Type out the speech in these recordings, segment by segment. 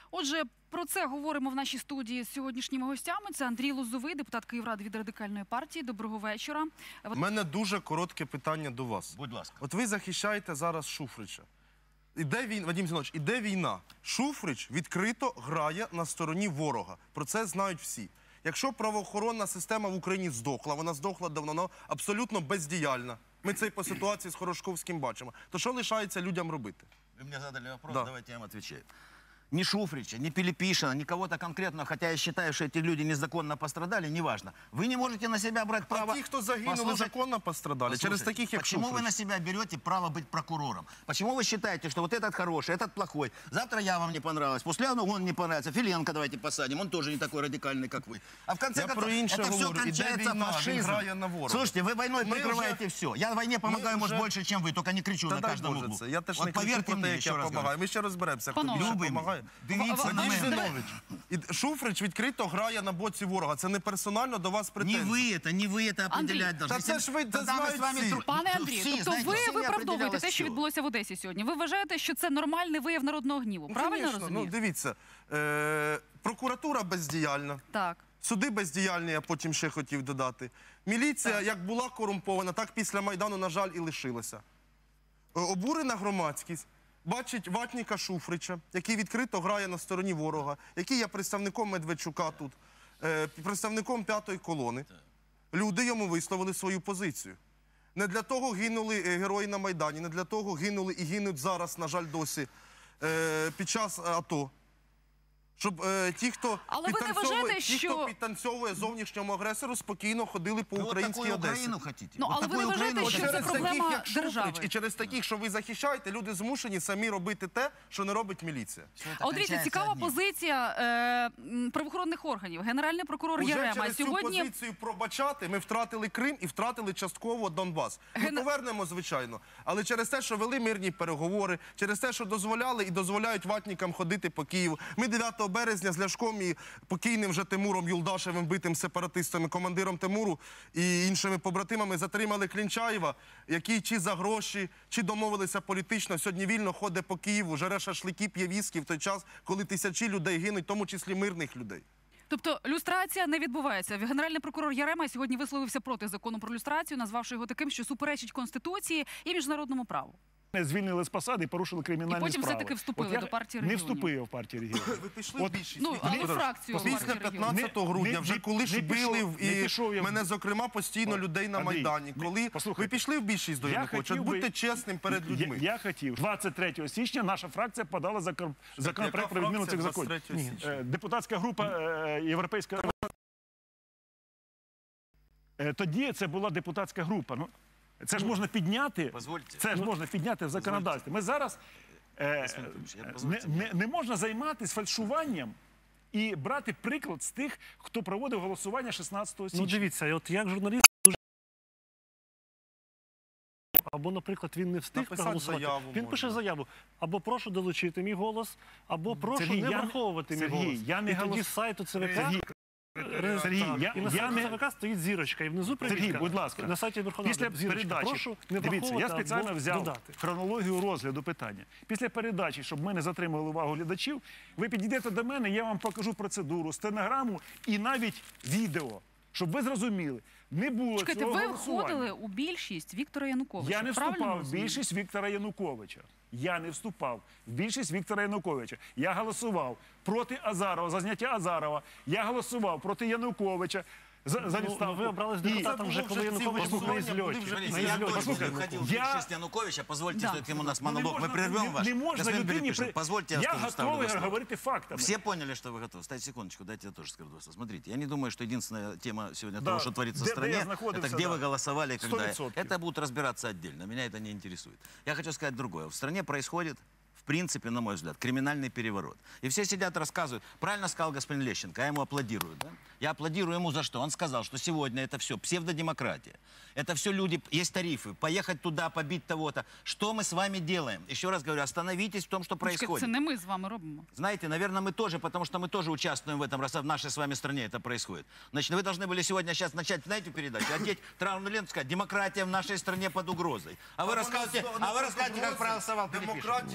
Отже, про це говоримо в нашій студії з сьогоднішніми гостями. Це Андрій Лозовий, депутат Київради від Радикальної партії. Доброго вечора. У мене дуже коротке питання до вас. Будь ласка. От ви захищаєте зараз Шуфрича. Вадим Зінович, іде війна. Шуфрич відкрито грає на стороні ворога. Про це знають всі. Якщо правоохоронна система в Україні здохла, вона здохла давно, вона абсолютно бездіяльна. Ми це і по ситуації з Хорошковським бачимо. То що лишається людям робити? Вы мне задали вопрос, Да. давайте я вам отвечаю. Ни Шуфрича, ни Пилипишина, ни кого-то конкретного, хотя я считаю, что эти люди незаконно пострадали, неважно. Вы не можете на себя брать право... А ті, хто загинули, Послушайте, законно пострадали. Через таких, як почему Шуфрич. вы на себя берете право быть прокурором? Почему вы считаете, что вот этот хороший, этот плохой? Завтра я вам не понравилась, после он не понравится. Филенко давайте посадим, он тоже не такой радикальный, как вы. А в конце Я концов, про інше это все говорю. Іде кончается війна, він фашизмом. грає на ворога. Слушайте, вы войной Мы прикрываете уже- все. Я войне помогаю, может, уже- больше, чем вы, только не кричу на дай каждом Боже углу. це. Я теж Вот не кричу поверьте про те, мне, як еще я раз допомагаю. говорю. Ми ще розберемося, хто Панове, більше Любий допомагає. Дивіться на Вадим мене. Зінович, Шуфрич відкрито грає на боці ворога. Це не персонально до вас Не претензії. вы это определять должны. Та це ж ви це Тогда мы знають с вами всі. Пане Андрію, всі, тобто знаєте, ви всі не виправдовуєте определялось те, що чого. відбулося в Одесі сьогодні. Ви вважаєте, що це нормальний вияв народного гніву, правильно Звісно. розумію? Ну, дивіться, прокуратура бездіяльна. Так. Суди бездіяльні, я потім ще хотів додати. Міліція, як була корумпована, так після Майдану, на жаль, і лишилася. Обурена громадськість бачить ватника Шуфрича, який відкрито грає на стороні ворога, який є представником Медведчука тут, представником п'ятої колони. Люди йому висловили свою позицію. Не для того гинули герої на Майдані, не для того гинули і гинуть зараз, на жаль, досі, під час АТО. Щоб ті, хто Але ви не вважаєте, що- підтанцьовує зовнішньому агресору, спокійно ходили по Вы вот українській такую Одесі. Украину хотите? Ну, Вот але ви такую не вважаєте, Украину що хотите? це Через проблема таких, як Шуфрич, держави? і через таких, що ви захищаєте, люди змушені самі робити те, що не робить міліція. Всё это А от дивіться, кончается цікава одним. позиція правоохоронних органів. Генеральний прокурор Уже Ярема через цю сьогодні... позицію пробачати ми втратили Крим і втратили частково Донбас. Ми повернемо, звичайно. Але через те, що вели мирні переговори, через те, що дозволяли і дозволяють ватникам ходити по Києву. Ми 9 березня з Ляшком і покійним вже Тимуром Юлдашевим, битим сепаратистами, командиром Тимуру і іншими побратимами затримали Клінчаєва, який чи за гроші, чи домовилися політично, сьогодні вільно ходить по Києву, жере шашлики, п'є віскі в той час, коли тисячі людей гинуть, в тому числі мирних людей. Тобто люстрація не відбувається. Генеральний прокурор Ярема сьогодні висловився проти закону про люстрацію, назвавши його таким, що суперечить Конституції і міжнародному праву. Звільнили з посади і порушили кримінальні І потім справи. все-таки вступили От я до партії Не регіонів. вступив в партію регіонів. Ви пішли От- в більшість. Ну, Віктор але Федорович, фракцію після партії регіонів. 15 грудня, вже коли ж били не пішов я в- мене, зокрема, постійно людей на Андрій, Майдані. Коли послухайте, ви пішли в більшість до я Януковича, хотів би- будьте чесним перед людьми. Я хотів. 23 січня наша фракція подала законопроект про відміну цих законів. 23 січня? Депутатська група Європейська... Тоді це була депутатська група. Ну, це ж можна підняти, Позвольте. це ж можна підняти в законодавстві. Ми зараз не можна займатися фальшуванням і брати приклад з тих, хто проводив голосування 16 січня. Ну дивіться, от як журналіст дуже... Або, наприклад, він не встиг Написати проголосувати. заяву Він можна. пише заяву. Або прошу долучити мій голос, або прошу Сергій, не я не- враховувати мій Сергій, голос. я не І тоді голос- з сайту ЦВК... Сергій, Сергій, і на сайті ЦВК стоїть зірочка, і внизу Сергій, привітка. будь ласка, На сайті Верховної після Ради зірочка. передачі, Прошу не дивіться, я враховувати спеціально або взяв додати. хронологію розгляду питання. Після передачі, щоб ми не затримували увагу глядачів, ви підійдете до мене, я вам покажу процедуру, стенограму і навіть відео, щоб ви зрозуміли. Не було Чекайте, цього ви голосування. входили у більшість Віктора Януковича. Я не правильно вступав в розумію? більшість Віктора Януковича. Я не вступав в більшість Віктора Януковича. Я голосував проти Азарова, за зняття Азарова. Я голосував проти Януковича за відставку. ви обрались І- депутатом вже, коли Янукович був на ізльоті. Смотрите, я тоже Послухайте, входил в я- більшість Януковича. Позвольте, Да. все-таки у нас Ну, монолог. Мы прервем ваш. Не можна Господин людині... Пилипишин, позвольте, я Я тоже ставлю готовий два слова. говорити фактами. Все поняли, что вы готовы. Ставьте секундочку, дайте я тоже скажу два слова. Смотрите, я не думаю, что единственная тема сегодня Да, того, что творится в где стране, я находился, это где да. вы голосовали, и когда. 100%. Это будут разбираться отдельно. Меня это не интересует. Я хочу сказать другое. В стране происходит, в принципе, на мой взгляд, криминальный переворот. И все сидят, рассказывают. Правильно сказал господин Лещенко, я ему аплодирую. Да? Я аплодирую ему за что? Он сказал, что сегодня это все псевдодемократия. Это все люди, есть тарифы, поехать туда, побить того-то. Что мы с вами делаем? Еще раз говорю, остановитесь в том, что Чекайте, происходит. це не ми з вами робимо. Знаете, наверное, мы тоже, потому что мы тоже участвуем в этом, раз в нашей с вами стране это происходит. Значит, вы должны были сегодня сейчас начать, знаете, передачу, одеть траурную ленту, сказать, демократия в нашей стране под угрозой. А вы рассказываете, как проголосовал Пилипишин. Демократія здохла.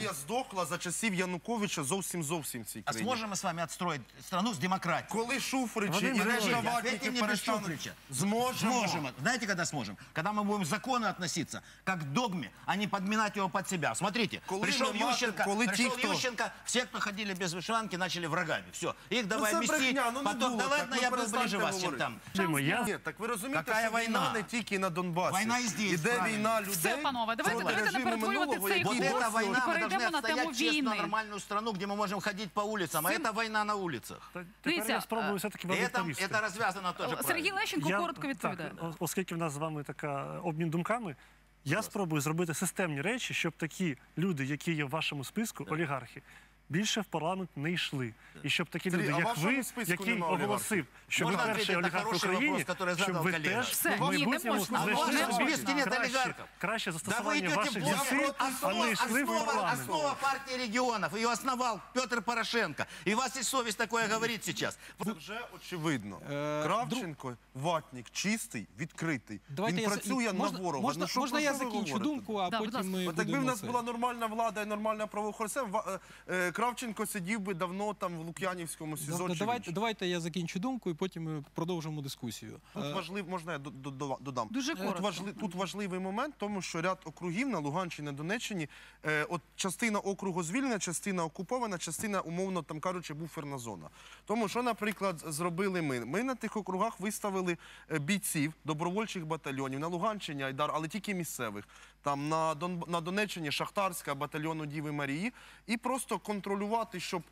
просохла за часів Януковича зовсім в цій А країні. сможем мы с вами отстроить страну с демократией? Коли Шуфричі Вадим і Григорьевич, решта Ответьте ватників мне без перестануть... Шуфрича. Зможемо. Сможем. Знаете, когда сможем? Когда мы будем законно относиться, как к догме, а не подминать его под себя. Смотрите, Коли пришел ми мати- Ющенко, коли ті, пришел хто- Ющенко, все, кто ходили без вышиванки, начали врагами. Все, их давай це мести, брехня, ну не потом, було да так, ладно, ну я был перестаньте ближе вас, чем говорити. там. Дима, я Ні, так ви розумієте, Какая що війна війна? не тільки на Донбасі. Війна і здесь, Іде правильно. війна людей. Все, панове, давайте проти не режиму перетворювати минулого, цей який Вот Егор, эта досі война, мы перейдемо должны на тему отстоять честно війни. нормальную страну, где мы можем ходить по улицам. А Син- это война на улицах. тепер Дивіться, я спробую все-таки вам И это відповісти. развязано тоже Сергій правильно. Лещенко коротко відповідає. Так, оскільки в нас з вами така обмін думками, я спробую зробити системні речі, щоб такі люди, які є в вашому списку, олігархи, більше в парламент не йшли. І щоб такі Сергій, люди, а в як вашому ви, списку який нема оголосив, що ви Можна перший відповідати на олігарх в хороший Україні, вопрос, який щоб задав ви колега? теж Все, в ні, не майбутньому можна. А в знайшли вашому собі списку нет олігархів. краще Да вы застосування идете ваших блоком. зусиль, а не йшли в парламент. Основа партии регионов. Ее основал Петр Порошенко. И у вас есть совесть такое говорить сейчас. Це вже очевидно. Кравченко, ватник, чистий, відкритий. Давайте Він я працює на ворога. Можна, Ну, що, можна про я що ви закінчу говорите? думку, а Да, будь потім ми От якби в будемо нас це. була нормальна влада і нормальна правоохоронця, Кравченко сидів би давно там в Лук'янівському СІЗО. чи Давайте, в давайте я закінчу думку і потім ми продовжимо дискусію. Тут важливо, можна я додам? Дуже коротко. Тут важливий момент, тому що ряд округів на Луганщині, на Донеччині, от частина округу звільнена, частина окупована, частина, умовно, там кажучи, буферна зона. Тому що, наприклад, зробили ми? Ми на тих округах виставили бійців добровольчих батальйонів, на Луганщині, Айдар, але тільки місцевих. Там на Донеччині Шахтарська, батальйону Діви Марії, і просто контролювати, щоб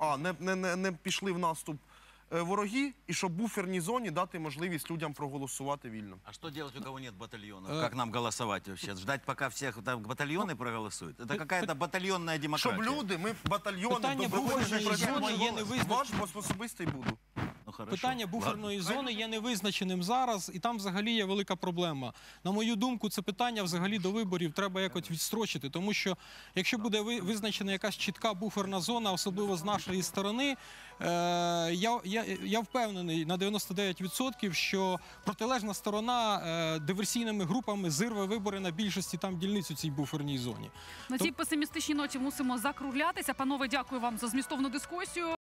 не пішли в наступ вороги, і щоб буферній зоні дати можливість людям проголосувати вільно. А что делать, у кого нет батальонов? Как нам голосовать вообще? Ждать, пока всех там батальоны проголосуют? Это какая-то батальонная демократия. Щоб люди, ми батальйони, Питання добровольчі буферної працювали, зони є невизначеним. ваш особистий буду. Ну, хорошо. Питання буферної зони є невизначеним зараз, і там взагалі є велика проблема. На мою думку, це питання взагалі до виборів треба якось відстрочити, тому що якщо буде визначена якась чітка буферна зона, особливо з нашої сторони, я впевнений на 99%, що протилежна сторона диверсійними групами зирве вибори на більшості там дільниць у цій буферній зоні. На цій песимістичній ноті мусимо закруглятися. Панове, дякую вам за змістовну дискусію.